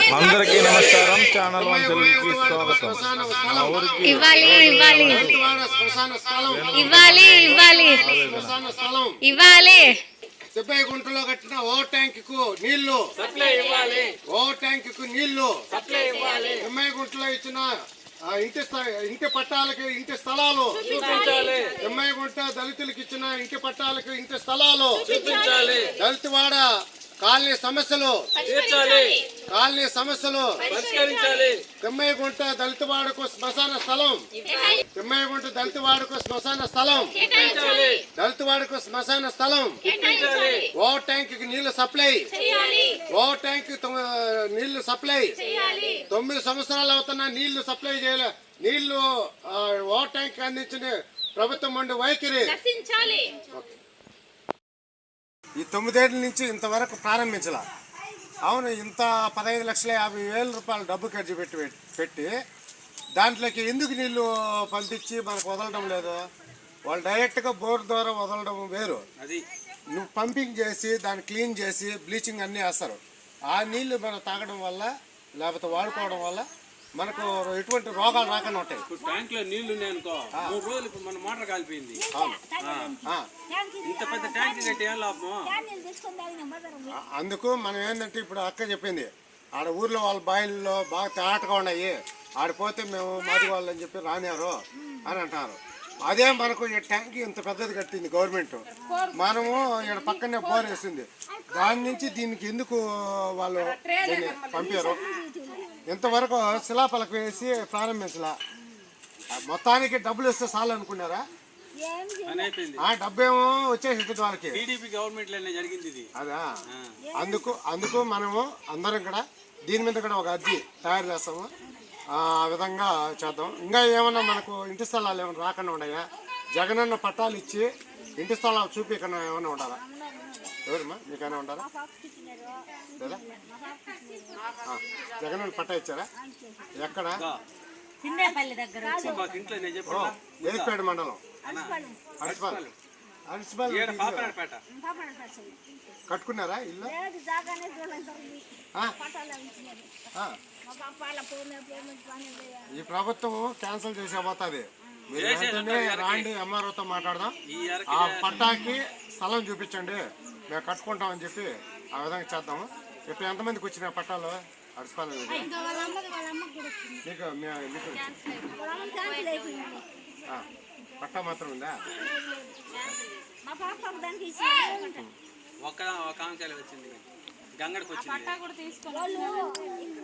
అందరికీ నమస్కారం. Channel one తెలుగుకి స్వాగతం. ఇవ్వాలి ఇవ్వాలి ఇవ్వాలి ఇవ్వాలి ఇవ్వాలి. 70 గుంటలో కట్టిన ఓ ట్యాంక్ కు నీళ్లు సప్లై ఇవ్వాలి. ఓ ట్యాంక్ కు నీళ్లు సప్లై ఇవ్వాలి. 70 గుంటలో ఇచ్చిన ఇంటి పట్టాలకు ఇంటి స్థలాలు చూపించాలి. 70 గుంట దళితులకు ఇచ్చిన ఇంటి పట్టాలకు ఇంటి స్థలాలు చూపించాలి. దళితవాడ కాలనీ సమస్యలు తీర్చాలి. కాలనీ సమస్యలు పరిష్కరించాలి. 70 గుంట దళితవాడకు శ్మశాన స్థలం 70 గుంట దళితవాడకు శ్మశాన స్థలం దళితవాడకు శ్మశాన స్థలం ఓ ట్యాంక్ కి నీళ్లు సప్లై ఓ ట్యాంక్ నీళ్లు సప్లై 9 సంవత్సరాలు అవుతున్నా నీళ్లు సప్లై చేయలే. నీళ్లు ఓ ట్యాంక్ అందించిన ప్రభుత్వం ఉండి వైఖరి ఈ 9 ఏళ్ల నుంచి ఇంతవరకు ప్రారంభించాల. అవును, ఇంత 15,50,000 రూపాయలు డబ్బు ఖర్చు పెట్టి దాంట్లోకి ఎందుకు నీళ్లు పంపించి మనకు వదలడం లేదు? వాళ్ళు డైరెక్ట్గా బోర్ ద్వారా వదలడం వేరు. అది నువ్వు పంపింగ్ చేసి దాన్ని క్లీన్ చేసి బ్లీచింగ్ అన్నీ వేస్తారు. ఆ నీళ్లు మనం తాగడం వల్ల లేకపోతే వాడుకోవడం వల్ల మనకు ఎటువంటి రోగాలు రాకుండా ఉంటాయి. ట్యాంక్ లో నీళ్లు ఉన్నాయనుకో 3 రోజులు ఇప్పుడు మన మోటార్ కాలిపోయింది. ఇంత పెద్ద ట్యాంక్ కట్టి ఏం లాభం? అందుకు మనం ఏంటంటే ఇప్పుడు అక్క చెప్పింది ఆడ ఊర్లో వాళ్ళ బాయిల్లో బాగా తేటగా ఉన్నాయి, ఆడిపోతే మేము మాది వాళ్ళు అని చెప్పి రానియారు అని అంటారు. అదే మనకు ఈ ట్యాంక్ ఇంత పెద్దది కట్టింది గవర్నమెంట్, మనము ఇక్కడ పక్కనే బోర్ వేసింది. దాని నుంచి దీనికి ఎందుకు వాళ్ళు దీన్ని పంపారు? ఇంతవరకు శిలాపలక వేసి ప్రారంభించలా. మొత్తానికి డబ్బులు ఇస్తే చాలు అనుకున్నారా? ఆ డబ్బేమో వచ్చేసి వాళ్ళకి అదా. అందుకు మనము అందరం కూడా దీని మీద కూడా ఒక అర్జీ తయారు చేస్తాము. ఆ విధంగా చేద్దాం. ఇంకా ఏమన్నా మనకు ఇంటి స్థలాలు ఏమైనా రాకుండా ఉన్నాయా? జగనన్న పట్టాలు ఇచ్చి ఇంటి స్థలాలు చూపించకుండా ఏమైనా ఉండాలా? ఎవరమ్మా మీకైనా ఉండాలా లేదా? జగనన్న పట్టా ఇచ్చారా? ఎక్కడ? ఏపేడు మండలం కట్టుకున్నారా ఇల్లు? ఈ ప్రభుత్వం క్యాన్సిల్ చేసేపోతుంది. మీరు వెంటనే రాండి, ఎంఆర్ఓతో మాట్లాడదాం. ఆ పట్టాకి స్థలం చూపించండి, మేము కట్టుకుంటామని చెప్పి ఆ విధంగా చేద్దాము. ఇప్పుడు ఎంతమందికి వచ్చినాయి పట్టాలు? అడిసిపాలి పట్టా మాత్రం ఉందా? ఒక వచ్చింది, గంగడికి వచ్చింది.